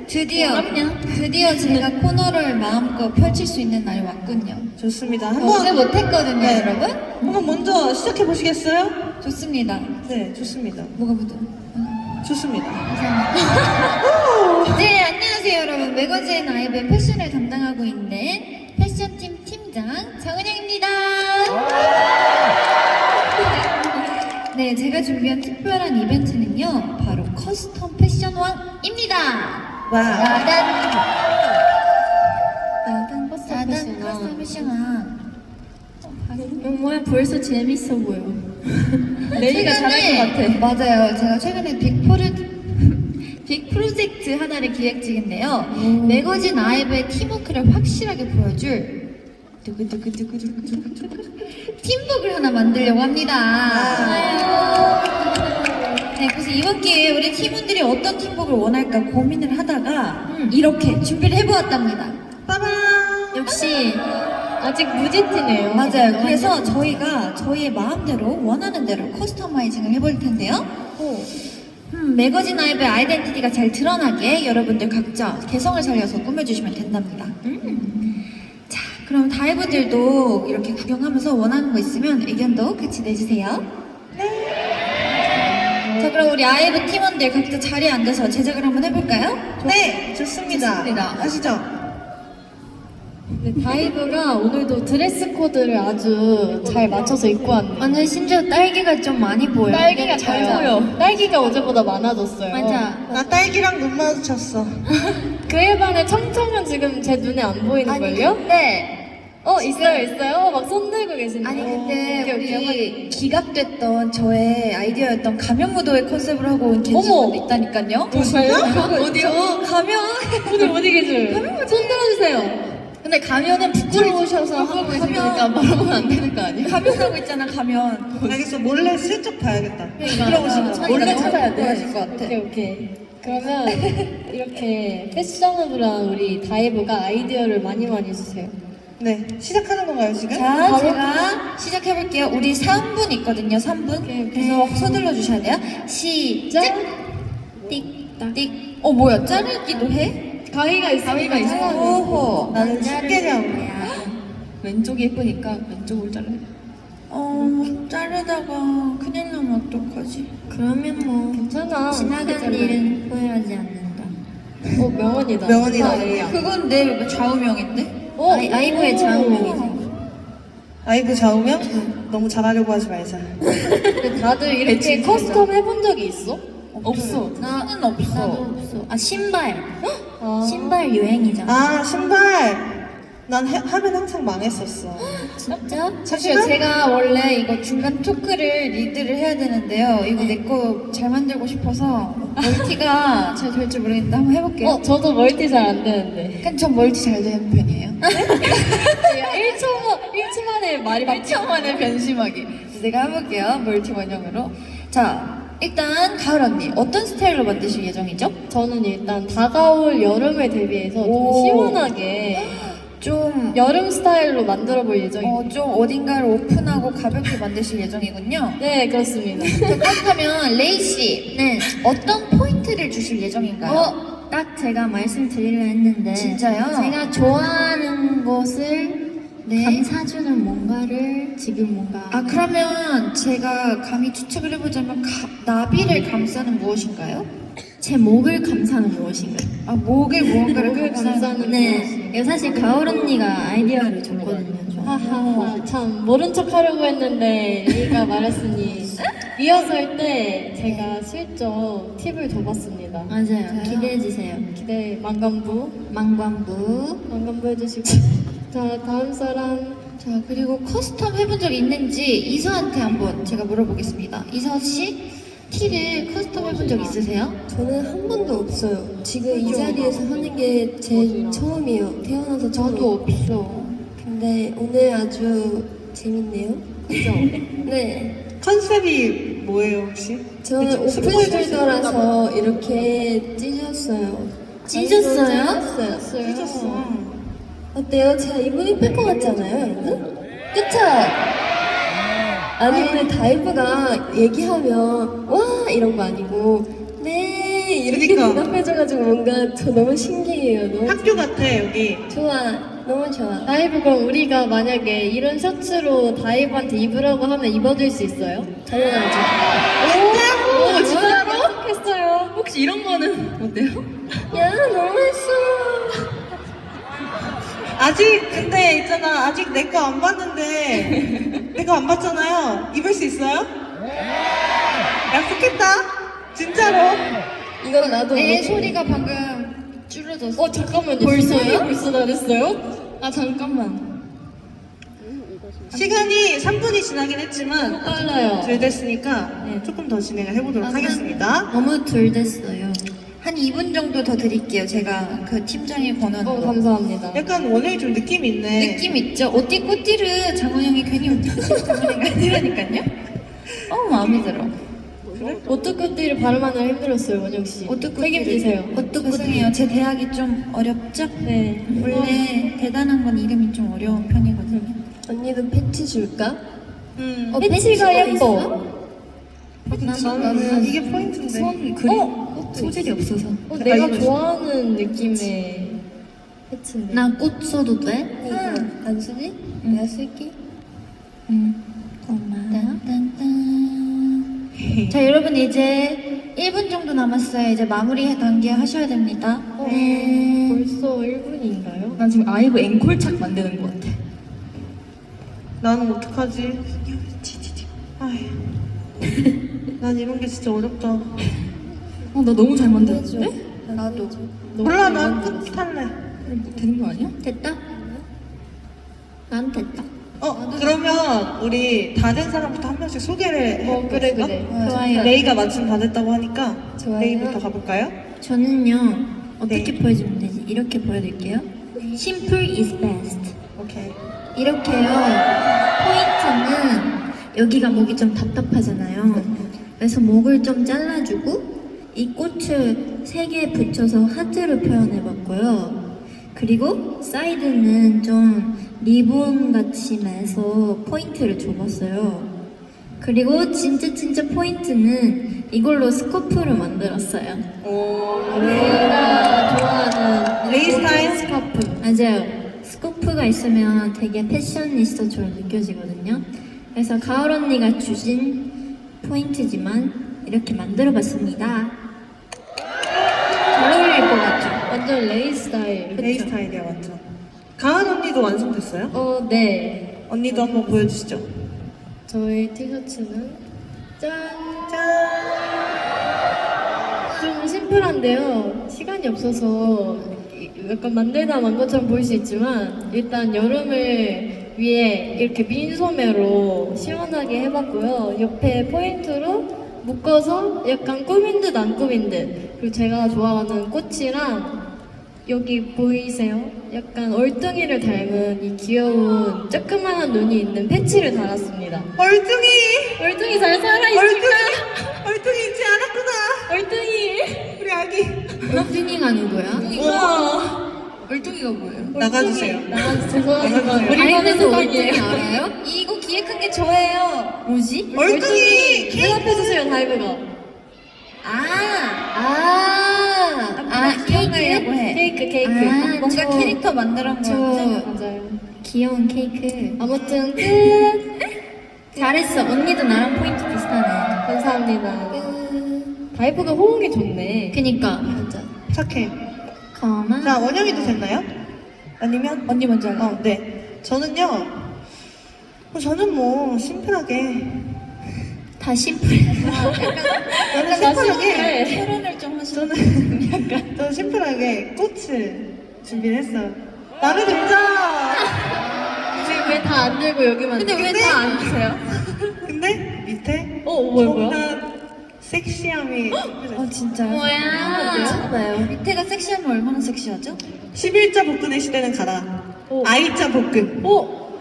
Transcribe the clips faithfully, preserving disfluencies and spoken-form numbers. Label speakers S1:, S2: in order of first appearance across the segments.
S1: 드디어 드디어 제가 코너를 마음껏 펼칠 수 있는 날이 왔군요.
S2: 좋습니다.
S1: 어제
S2: 한번
S1: 못했거든요,
S2: 네.
S1: 여러분.
S2: 한번 먼저 시작해 보시겠어요?
S1: 좋습니다.
S2: 네, 좋습니다.
S1: 뭐가 묻어?
S2: 좋습니다.
S1: 네, 안녕하세요, 여러분. 매거진 아이브의 패션을 담당하고 있는 패션팀 팀장 정은영입니다. 네, 제가 준비한 특별한 이벤트는요, 바로 커스텀 패션왕입니다.
S2: 와.
S1: 나단 나단
S3: 커스텀
S1: 나단
S3: 패션왕.
S1: 커스텀 패션왕.
S3: 뭐야 벌써 재밌어 보여. 레이가 잘할 것 같아.
S1: 맞아요. 제가 최근에 빅프로 빅 프로젝트 하나를 기획 중인데요.
S3: 오.
S1: 매거진 아이브의 팀워크를 확실하게 보여줄 두구두구두구두구두구 팀북을 하나 만들려고 합니다. 네, 그래서 이번 기회에 우리 팀원들이 어떤 팀북을 원할까 고민을 하다가
S3: 음.
S1: 이렇게 준비를 해보았답니다.
S2: 빠밤.
S3: 역시 아직 무지티네요.
S1: 맞아요. 그래서 저희가 저희의 마음대로 원하는 대로 커스터마이징을 해볼 텐데요. 음, 매거진 아이브의 아이덴티티가 잘 드러나게 여러분들 각자 개성을 살려서 꾸며주시면 된답니다. 음. 자, 그럼 다이브들도 이렇게 구경하면서 원하는 거 있으면 의견도 같이 내주세요. 네. 자, 그럼 우리 아이브 팀원들 각자 자리에 앉아서 제작을 한번 해볼까요?
S2: 네, 좋습니다.
S1: 좋습니다.
S2: 아시죠?
S3: 네, 다이브가 오늘도 드레스 코드를 아주 잘 맞춰서 입고 왔네.
S1: 오늘 심지어 딸기가 좀 많이 보여요.
S3: 딸기가 잘 보여. 딸기가 어제보다 많아졌어요.
S1: 맞아.
S2: 나 딸기랑 눈 마주쳤어.
S3: 그에 반해 청청은 지금 제 눈에 안 보이는걸요?
S1: 네.
S3: 어 있어요 있어요. 막 손 들고 계시네요.
S1: 아니 근데
S3: 오케이, 오케이,
S1: 우리 기각됐던 저의 아이디어였던 가면 무도회 컨셉을 하고 온 겐지분도
S3: 어머!
S1: 있다니까요.
S3: 진짜요?
S1: 어디요? 가면.
S3: 오늘 어디 계세요? 손 들어주세요.
S1: 근데 가면은 부끄러우셔서 하고 계시니까
S3: 가면 말하면 안 되는 거 아니에요?
S1: 가면 하고 있잖아 가면.
S2: 알겠어, 몰래 슬쩍 봐야겠다.
S1: 그러니까.
S2: 부끄러우신 거.
S1: 몰래
S3: 찾아야 돼.
S1: 보여줄 것 같아.
S3: 오케이 오케이. 그러면 이렇게 패셔너블한 우리 다이브가 아이디어를 많이 많이 주세요.
S2: 네, 시작하는 건가요, 지금?
S1: 자,
S3: 바로?
S1: 제가 시작해볼게요. 우리 삼 분 있거든요, 삼 분.
S3: 오케이, 오케이.
S1: 그래서 서둘러 주셔야 돼요. 시작! 띡, 띡. 어, 뭐야, 자르기도 해?
S3: 가위가 있어. 가위가
S1: 오호.
S2: 나는 집게냐고.
S1: 왼쪽이 예쁘니까 왼쪽을 자르. 어, 자르다가 큰일 나면 어떡하지?
S3: 그러면 뭐 괜찮아.
S1: 지나간 일은 후회하지 않는다.
S3: 어 명언이다.
S2: 명언이다.
S3: 좋다, 레이야.
S1: 그건 내 좌우명인데?
S3: 어,
S1: 아이, 아이브의
S3: 오.
S1: 좌우명이지.
S2: 아이브 좌우명? 너무 잘하려고 하지 말자.
S3: 근데 다들 이렇게
S1: 배치
S3: 커스텀 해본 적이 있어?
S1: 없어. 나는 없어. 나도 없어. 아, 신발.
S3: 아.
S1: 신발 유행이잖아.
S2: 아, 신발! 난 해, 하면 항상 망했었어.
S1: 진짜?
S2: 사실은?
S1: 사실 제가 원래 이거 중간 토크를 리드를 해야 되는데요. 이거 내 거 잘 만들고 싶어서 멀티가 잘 될 줄 모르겠는데 한번 해볼게요.
S3: 어 저도 멀티 잘 안 되는데.
S1: 근데 전 멀티 잘 되는 편이에요.
S3: 야, 일 초 일 초 만에 말이 막
S1: 일 초 만에 변심하기. 내가 해볼게요. 멀티 원형으로. 자, 일단 가을 언니 어떤 스타일로 만드실 예정이죠?
S3: 저는 일단 다가올 여름을 대비해서 좀
S1: 오.
S3: 시원하게
S1: 좀
S3: 여름 스타일로 만들어 볼 예정입니다.
S1: 어, 좀 어딘가를 오픈하고 가볍게 만드실 예정이군요.
S3: 네 그렇습니다.
S1: 자, 그렇다면 레이 씨, 네, 어떤 포인트를 주실 예정인가요?
S4: 어, 딱 제가 말씀드리려 했는데
S1: 진짜요?
S4: 제가 좋아하는 것을
S1: 네.
S4: 감사주는 뭔가를 지금 뭔가
S1: 아, 그러면 제가 감히 추측을 해보자면 가, 나비를 감싸는 무엇인가요?
S4: 제 목을 감사는 무엇인가요?
S1: 아, 목을 무언가를
S3: 목을
S1: 감싸는
S3: 감싸는
S4: 네, 이거 사실 가을 언니가 아이디어를 줬거든요. 저.
S3: 하하 참 모른 척 하려고 했는데 레이가 말했으니 리허설 때 제가 슬쩍 팁을 줘봤습니다.
S4: 맞아요. 기대해 주세요.
S3: 기대 만감부
S4: 망관부.
S3: 만감부 해주시고 자 다음 사람
S1: 자, 그리고 커스텀 해본 적 있는지 이서한테 한번 제가 물어보겠습니다. 이서 씨, 티를 커스텀 해본 적 있으세요?
S5: 저는 한 번도 없어요. 지금 이 자리에서 하는 게 제 처음이에요. 태어나서 처음.
S1: 저도 없어.
S5: 근데 오늘 아주 재밌네요. 그죠? 네.
S2: 컨셉이 뭐예요, 혹시?
S5: 저는
S2: 좀 스포일 줄수
S5: 오픈숄더라서 이렇게 찢었어요.
S1: 찢었어요?
S5: 찢었어요.
S2: 찢었어.
S5: 어때요? 제가 이분 이쁠 것 같지 않아요, 여러분? 그쵸? 아니, 근데 다이브가 얘기하면 와! 이런 거 아니고 네! 이렇게
S2: 그니까.
S5: 대답해줘가지고 뭔가 저 너무 신기해요. 너무
S2: 학교 같아 여기.
S5: 좋아, 너무 좋아.
S3: 다이브 그럼 우리가 만약에 이런 셔츠로 다이브한테 입으라고 하면 입어줄 수 있어요?
S5: 당연하죠.
S3: 오, 오 진짜로? 했어요. 혹시 이런 거는 어때요?
S5: 야, 너무했어.
S2: 아직 근데 있잖아 아직 내 거 안 봤는데 내 거 안 봤잖아요. 입을 수 있어요? 약속했다. 진짜로.
S5: 이건 나도
S1: 내
S5: 못해.
S1: 소리가 방금 줄어졌어.
S3: 어 잠깐만요. 벌써요? 벌써 다 됐어요? 아 잠깐만.
S2: 시간이 삼 분이 지나긴 했지만
S3: 빨라요.
S2: 덜 됐으니까
S3: 네.
S2: 조금 더 진행을 해보도록
S1: 아,
S2: 하겠습니다.
S4: 너무 덜 됐어요.
S1: 한 이 분 정도 더 드릴게요. 제가 그 팀장의 권한으로.
S3: 어 감사합니다.
S2: 약간 원영이 좀 느낌이 있네.
S1: 느낌 있죠? 오띠 꼬띠를 장원 형이 괜히 오띠 꼬띠를 장원 형이 아니라니까요? 어 마음에 들어.
S3: 오뚜꾸띠를 발음하느라 힘들었어요, 원영 씨.
S1: 오뚜꾸띠를.
S3: 책임지세요.
S1: 죄송해요. 제 대학이 좀 어렵죠?
S3: 네.
S1: 원래 대단한 건 이름이 좀 어려운 편이거든요.
S5: 언니도 패치 줄까?
S2: 음.
S3: 어, 패치가 예뻐.
S2: 나는 이게 포인트인데.
S4: 손 그림 소질이 없어서.
S3: 어,
S2: 내가
S3: 내가
S2: 이거
S3: 좋아하는 느낌의 패치인데.
S4: 나 꽃 써도 돼?
S5: 이거 안 쓰지? 내가 쓸게.
S4: 응. 고마워.
S1: 딴딴딴. 자 여러분 이제 일 분 정도 남았어요. 이제 마무리 단계 하셔야 됩니다.
S3: 어,
S4: 네.
S3: 벌써 일 분인가요?
S4: 난 지금 아이브 앵콜착 만드는 것 같아.
S2: 나는 어떡하지? 아휴. 난 이런 게 진짜 어렵다.
S4: 어, 나 너무 잘 만들었는데?
S1: 나도.
S2: 몰라 난 끝 할래.
S4: 되는 거 아니야?
S1: 됐다? 난 됐다.
S2: 어 그러면 우리 다 된 사람부터 한 명씩 소개를
S3: 어, 그래,
S2: 해볼까?
S3: 그래.
S1: 좋아요.
S2: 레이가 마침 다 됐다고 하니까
S5: 좋아요.
S2: 레이부터 가볼까요?
S4: 저는요, 어떻게
S2: 네.
S4: 보여주면 되지? 이렇게 보여드릴게요. Simple is best.
S2: 오케이.
S4: 이렇게요. 포인트는 여기가 목이 좀 답답하잖아요. 그래서 목을 좀 잘라주고 이 꽃을 세 개 붙여서 하트로 표현해봤고요. 그리고 사이드는 좀 리본 같이 매서 포인트를 줘봤어요. 그리고 진짜 진짜 포인트는 이걸로 스코프를 만들었어요.
S2: 오.
S3: 내가 좋아하는
S2: 레이 스타일?
S3: 스카프.
S4: 맞아요. 스코프가 있으면 되게 패셔니스타처럼 느껴지거든요. 그래서 가을 언니가 주신 포인트지만 이렇게 만들어봤습니다. 잘 어울릴 것 같죠?
S3: 완전 레이 스타일.
S2: 레이 스타일이야 완전. 가은 언니도 완성됐어요?
S3: 어, 네.
S2: 언니도 한번 보여주시죠.
S3: 저의 티셔츠는 짠! 좀 심플한데요. 시간이 없어서 이- 약간 만들다 만 것처럼 보일 수 있지만 일단 여름을 위해 이렇게 민소매로 시원하게 해봤고요. 옆에 포인트로 묶어서 약간 꾸민 듯 안 꾸민 듯. 그리고 제가 좋아하는 꽃이랑 여기 보이세요? 약간 얼뚱이를 닮은 이 귀여운 조그만한 눈이 있는 패치를 달았습니다.
S2: 얼뚱이!
S3: 얼뚱이 잘 살아있을까?
S2: 얼뚱이! 얼뚱이 잊지 않았구나!
S3: 얼뚱이!
S2: 우리 아기.
S4: 얼뚱이가 누구야?
S2: 우와.
S1: 얼뚱이가 뭐예요?
S2: 나가주세요.
S3: 나가주세요.
S2: 나가주세요.
S3: 우리
S4: 아이브는
S3: 반에서
S4: 얼뚱이
S3: 갈게요.
S4: 알아요?
S1: 이거 기획한 게 저예요.
S4: 뭐지?
S2: 얼뚱이!
S3: 대답해주세요, 다이브가.
S1: 아,
S4: 아, 아,
S1: 기억나려고 해.
S3: 케이크, 케이크.
S4: 아,
S1: 뭔가
S4: 저-
S1: 캐릭터 만들어 온
S4: 저-
S1: 거였지?
S3: 맞아요.
S4: 귀여운 케이크.
S3: 아무튼 끝!
S4: 잘했어. 언니도 나랑 포인트 비슷하네.
S3: 감사합니다. 다이브가 호응이 좋네.
S4: 그니까.
S5: 맞아.
S2: 착해.
S4: 가만.
S2: 자, 원영이도 됐나요? 아니면?
S1: 언니 먼저 할래?
S2: 어, 네. 저는요, 어, 저는 뭐, 심플하게.
S4: 다 심플해.
S2: 저는
S3: 나
S2: 심플하게.
S3: 심플해.
S1: 표현을 좀 하시는
S2: 저는, 약간, 저는 심플하게 꽃을 준비를 했어요. 나를 등장!
S3: 지금 왜 다 안 들고 여기만.
S1: 근데 왜 다 안 주세요?
S2: 근데 밑에
S3: 어, 뭐야, 뭐야?
S2: 엄청난 섹시함이
S1: 어 진짜요?
S4: 뭐야?
S1: 괜찮아요. 밑에가 섹시하면 얼마나 섹시하죠?
S2: 십일자 복근의 시대는 가라.
S3: 오.
S2: 아이자 복근.
S3: 어?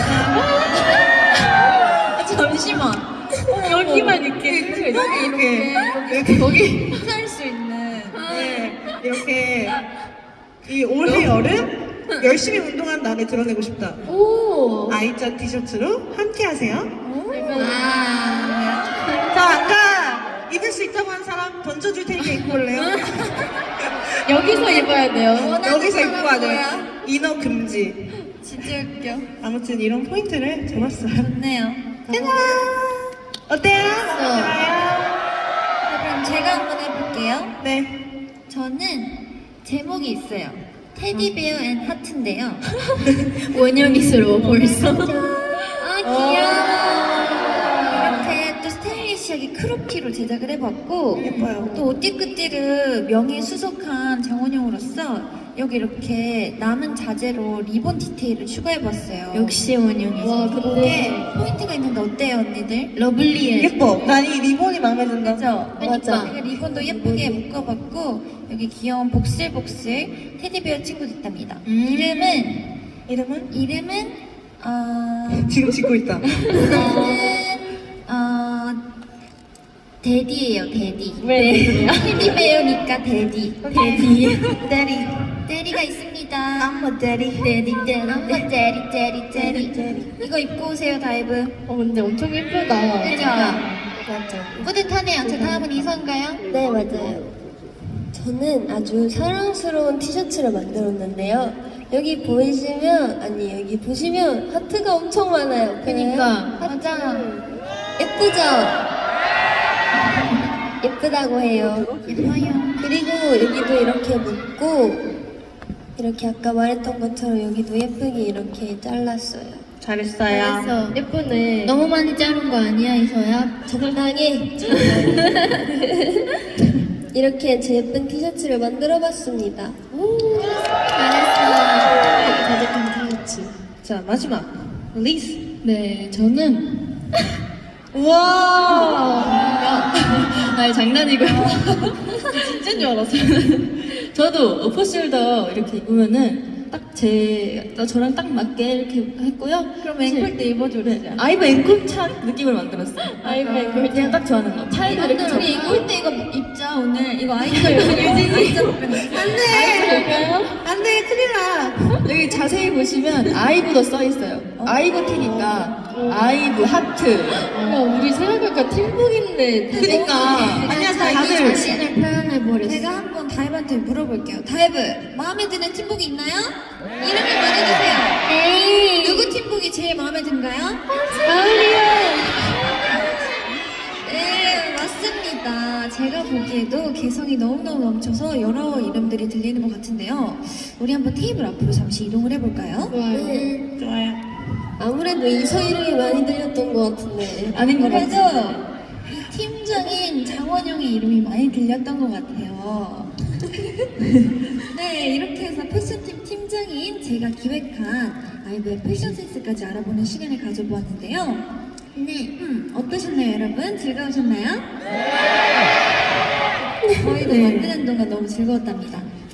S1: 잠시만.
S3: 어, 여기만 이렇게.
S2: 이렇게, 이렇게, 이렇게,
S1: 거기 흡수할 수 있는.
S2: 네, 이렇게 이 올해 여름 열심히 운동한 나를 드러내고 싶다.
S3: 오!
S2: 아이자 티셔츠로 함께 하세요.
S3: 약간
S1: 아,
S2: 자, 아까 이 입을 수 있다고 한 사람 던져줄 테니까 입고 올래요?
S3: 여기서 입어야 돼요.
S2: 여기서 입고
S1: 사람
S2: 가야 이너 금지.
S1: 진짜 웃겨.
S2: 아무튼 이런 포인트를 잡았어요.
S1: 좋네요.
S2: 어때요?
S1: 자, 그럼 제가 한번 해볼게요.
S2: 네.
S1: 저는 제목이 있어요. 테디베어 앤 하트인데요.
S4: 원영이스러워 벌써.
S1: 아 귀여워. 이렇게 또 스타일리시하게 크롭티로 제작을 해봤고
S2: 예뻐요.
S1: 또 오띠끄띠를 명예수석한 장원영으로서 여기 이렇게 남은 자재로 리본 디테일을 추가해봤어요.
S4: 역시 원영이.
S3: 와,
S1: 이게
S3: 근데
S1: 포인트가 있는데 어때요 언니들?
S4: 러블리해.
S2: 예뻐. 난 이 리본이 마음에 든다.
S1: 그죠?
S3: 맞아.
S1: 제가 리본도 예쁘게 묶어봤고 여기 귀여운 복슬복슬 테디베어 친구도 있답니다.
S4: 음.
S1: 이름은
S2: 이름은?
S1: 이름은 어...
S2: 지금 짓고 있다.
S1: 이거는 어 데디예요 데디.
S3: 왜 그래요?
S1: 테디베어니까 데디.
S2: 데디.
S1: 데디. 데디가 있습니다.
S2: I'm a daddy.
S1: 데디 데디 데디 데디 데디 데디. 이거 입고 오세요 다이브.
S3: 어 근데 엄청 예쁘다.
S1: 그죠?
S5: 맞죠.
S1: 뿌듯하네요. 자 다음은 이선가요?
S5: 네, 맞아요. 저는 아주 사랑스러운 티셔츠를 만들었는데요. 여기 보이시면, 아니, 여기 보시면 하트가 엄청 많아요.
S4: 그니까.
S1: 맞아.
S5: 예쁘죠? 예쁘다고 해요.
S1: 예뻐요.
S5: 그리고 여기도 이렇게 묶고, 이렇게 아까 말했던 것처럼 여기도 예쁘게 이렇게 잘랐어요.
S2: 잘했어요.
S3: 그래서 예쁘네.
S4: 너무 많이 자른 거 아니야 이서야?
S5: 적당히, 이렇게 제 예쁜 티셔츠를 만들어 봤습니다.
S4: 가득한 티셔츠.
S2: 자, 마지막. 리스.
S4: 네, 저는
S2: 우와!
S4: 아니 장난이고요. 진짜인 줄 알았어요. 저도 오퍼숄더 이렇게 입으면은 딱 제 저랑 딱 맞게 이렇게 했고요.
S1: 그럼 앵콜 때 입어줘.
S4: 네, 아이브 앵콜 찬 느낌을 만들었어요.
S3: 아이브 앵콜
S4: 그냥 딱 좋아하는 거. 차이도 이렇게
S1: 우리
S4: 좀-
S1: 앵콜 때 이거 입자 오늘. 이거 아이돌 유진이 입자.
S2: 안 돼, 큰일 나.
S4: 여기 자세히 보시면 아이브도 써 있어요. 아이브 티니까 아이브 하트.
S3: 야 우리 생각할까 팀북인데.
S4: 그니까
S1: 아니야,
S4: 다들
S1: 다들
S4: 자신을 표현해버렸어.
S1: 제가 한번 다이브한테 물어볼게요. 다이브, 마음에 드는 팀복이 있나요? 이름을 말해주세요.
S4: 에이.
S1: 누구 팀복이 제일 마음에 든가요?
S3: 가을이요.
S1: 네, 맞습니다. 제가 보기에도 개성이 너무너무 넘쳐서 여러 이름들이 들리는 것 같은데요. 우리 한번 테이블 앞으로 잠시 이동을 해볼까요?
S3: 좋아요.
S5: 네.
S2: 좋아요.
S5: 아무래도 이서 이름이 많이 들렸던 것 같은데.
S4: 아닌 것
S1: 그래도
S4: 같아요.
S1: 이 팀장인 장원영의 이름이 많이 들렸던 것 같아요. 네, 이렇게 해서 패션팀 팀장인 제가 기획한 아이브의 패션 센스까지 알아보는 시간을 가져보았는데요. 네, 음, 어떠셨나요, 여러분? 즐거우셨나요? 저희도 만드는 동안 너무 즐거웠답니다.